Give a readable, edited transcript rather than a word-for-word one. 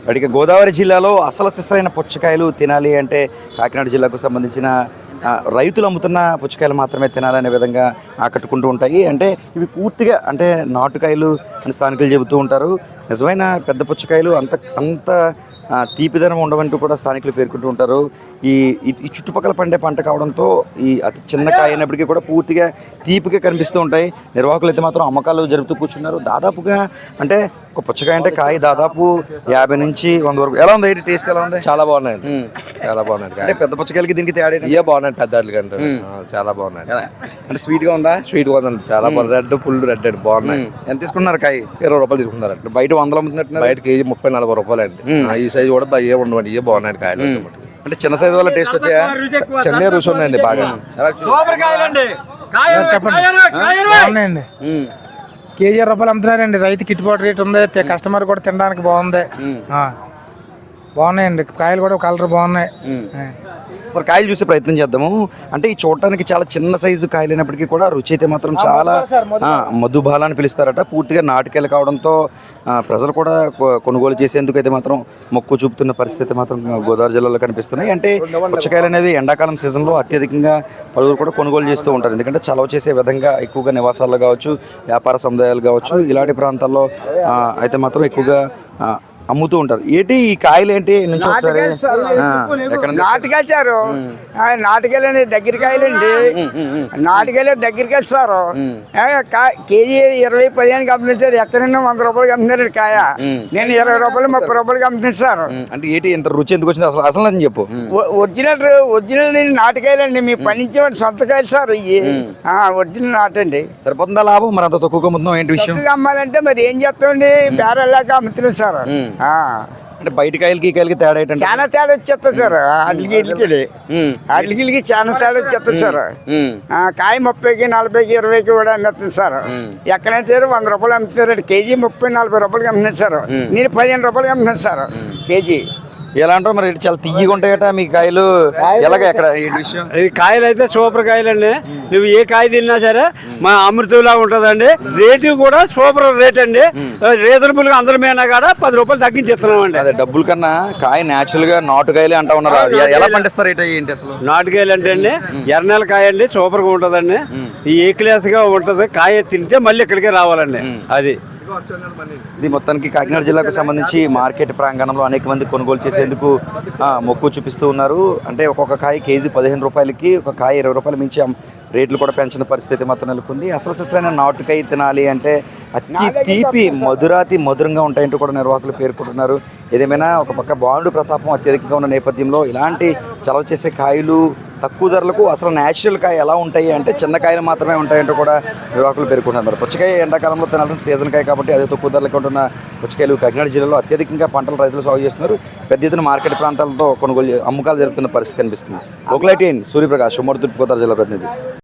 అడిగే గోదావరి జిల్లాలో అసలు సిసలైన పుచ్చకాయలు తినాలి అంటే కాకినాడ జిల్లాకు సంబంధించిన రైతులు అమ్ముతున్న పుచ్చకాయలు మాత్రమే తినాలనే విధంగా ఆకట్టుకుంటూ ఉంటాయి. అంటే ఇవి పూర్తిగా అంటే నాటుకాయలు అని స్థానికులు చెబుతూ ఉంటారు. నిజమైన పెద్ద పుచ్చకాయలు అంత తీపిదనం ఉండవంటూ కూడా స్థానికులు పేర్కొంటూ ఉంటారు. ఈ చుట్టుపక్కల పండే పంట కావడంతో ఈ అతి చిన్న కాయ అయినప్పటికీ కూడా పూర్తిగా తీపిగా కనిపిస్తూ ఉంటాయి. నిర్వాహకులు అయితే మాత్రం అమ్మకాలు జరుపుతూ కూర్చున్నారు. దాదాపుగా అంటే ఒక పుచ్చకాయ అంటే కాయ దాదాపు 50 నుంచి 100 వరకు. ఎలా ఉంది టేస్ట్? ఎలా ఉంది? చాలా బాగున్నాయండి, చాలా బాగున్నాయి. అంటే పెద్ద పుచ్చకాయలకి దీనికి తేడా ఇవే బాగున్నాయి, పెద్ద కంటే చాలా బాగున్నాయి. అంటే స్వీట్గా ఉందా? స్వీట్గా ఉందండి, చాలా బాగుంది. రెడ్ ఫుల్ రెడ్ అండి, బాగున్నాయి. ఎంత తీసుకున్నారు కాయ? 20 రూపాయలు తీసుకున్నారండి. బయట 100 అమ్ముతున్నట్టు. బయట కేజీ 30-40 రూపాయలు అండి. ఈ సైజు కూడా ఏ ఉండవండి, ఇవే బాగున్నాయి కాయలు. అంటే చిన్న సైజు వల్ల టేస్ట్ వచ్చాయా? చిన్న రుచి ఉన్నాయండి బాగా. బాగున్నాయండి. కేజీ 20 రూపాయలు అమ్ముతున్నారండి. రైతు గిట్టుబాటు రేట్ ఉంది, కస్టమర్ కూడా తినడానికి బాగుంది. బాగున్నాయండి కాయలు కూడా, కలర్ బాగున్నాయి. సార్ కాయలు చూసే ప్రయత్నం చేద్దాము. అంటే ఈ చూడటానికి చాలా చిన్న సైజు కాయలు అయినప్పటికీ కూడా రుచి అయితే మాత్రం చాలా మధుబాల అని పిలుస్తారట. పూర్తిగా నాటుకాయలు కావడంతో ప్రజలు కూడా కొనుగోలు చేసేందుకు అయితే మాత్రం మొక్కు చూపుతున్న పరిస్థితి మాత్రం గోదావరి జిల్లాలో కనిపిస్తున్నాయి. అంటే పుచ్చకాయలు అనేది ఎండాకాలం సీజన్లో అత్యధికంగా పలువురు కూడా కొనుగోలు చేస్తూ ఉంటారు. ఎందుకంటే చలవ చేసే విధంగా ఎక్కువగా నివాసాల్లో కావచ్చు, వ్యాపార సముదాయాలు కావచ్చు, ఇలాంటి ప్రాంతాల్లో అయితే మాత్రం ఎక్కువగా అమ్ముతూ ఉంటారు. ఏంటి ఈ కాయలు ఏంటి నుంచి ఒకసారి నాటుకెళ్తారు. నాటుకెళ్ళండి దగ్గర కాయలండి. నాటుకెళ్ళి దగ్గరికి వెళ్తారు. కేజీ 20-15 అమ్ముతారు. ఎక్కడైనా 100 రూపాయలకి అమ్ముతారు కాయ. నేను 20 రూపాయలు 30 రూపాయలకి అమ్ముతారు. అంటే ఏంటి ఇంత రుచి ఎందుకు వచ్చింది అసలు? అసలు అని చెప్పు. ఒరిజినల్ నాటుకాయలండి. మీ పండించే సొంత కాయలు సార్ ఇవి. ఒరిజినల్ నాటండి. సరిపోతుందా లాభం? మరి అంత తక్కువగా అమ్ముతున్నాం ఏంటి విషయం? అమ్మాలంటే మరి ఏం చేస్తామండి, బేరలాగా అమ్ముతున్నాం సార్. అంటే బయట కాయలకి ఈ కాయలకి తేడా ఏంటంటే చాలా తేడా వచ్చేస్తుంది సార్. అడ్లకి చాలా తేడా వచ్చేస్తుంది సార్. కాయ 30కి 40కి 20కి కూడా అమ్ముతుంది సార్. ఎక్కడైనా సరే 100 రూపాయలు అమ్ముతున్నారు. కేజీ 30-40 రూపాయలకి అమ్ముతుంది సార్. నేను 15 రూపాయలకి అమ్ముతున్నాను సార్ కేజీ. ఎలా అంటారు మరి? చాలా తీయగా ఉంటాయట మీ కాయలు. ఎలాగ ఎక్కడ ఏంటి విషయం? ఈ కాయలు అయితే సూపర్ కాయలండి. నువ్వు ఏ కాయ తిన్నా సరే మా అమృతంలా ఉంటుందండి. రేటు కూడా సూపర్ రేట్ అండి. రీజనబుల్ గా అందరి మీద కూడా 10 రూపాయలు తగ్గించేస్తున్నాం అండి. అదే డబ్బుల కన్నా కాయ నేచురల్ గా నాటుకాయలు అంటా ఉన్నారు. ఎలా పండిస్తారు ఏంటి అసలు? నాటుకాయలు అంటే అండి ఎర్రనెల కాయ అండి, సూపర్ గా ఉంటుందండి. ఈ ఏ క్లాస్ గా ఉంటది. కాయ తింటే మళ్ళీ ఇక్కడికే రావాలండి. అది ఇది మొత్తానికి కాకినాడ జిల్లాకు సంబంధించి మార్కెట్ ప్రాంగణంలో అనేక మంది కొనుగోలు చేసేందుకు మొక్కు చూపిస్తూ ఉన్నారు. అంటే ఒక్కొక్క కాయ కేజీ 15 రూపాయలకి, ఒక కాయ 20 రూపాయలు మించి రేట్లు కూడా పెంచిన పరిస్థితి మాత్రం నెలకొంది. అసలు సిసలైన నాటుకాయ తినాలి అంటే అతి తీపి మధురంగా ఉంటాయంటూ కూడా నిర్వాహకులు పేర్కొంటున్నారు. ఏదేమైనా ఒక పక్క బాండు ప్రతాపం అత్యధికంగా ఉన్న నేపథ్యంలో ఇలాంటి చలవ చేసే కాయలు తక్కువ ధరలకు అసలు న్యాచురల్ కాయ ఎలా ఉంటాయి అంటే చిన్న కాయలు మాత్రమే ఉంటాయంటూ కూడా నిర్వాహకులు పేర్కొంటున్నారు. పుచ్చకాయ ఎండాకాలంలో తినాల్సిన సీజన్ కాయ కాబట్టి అదే తక్కువ ధరలకు ఉంటున్న పుచ్చకాయలు కాకినాడ జిల్లాలో అత్యధికంగా పంటలు రైతులు సాగు చేస్తున్నారు. పెద్ద ఎత్తున మార్కెట్ ప్రాంతాలతో కొనుగోలు అమ్మకాలు జరుగుతున్న పరిస్థితి కనిపిస్తుంది. ఒకలైటీ సూర్యప్రకాష్, ఉమ్మడి తూర్పుగోదావరి జిల్లా ప్రతినిధి.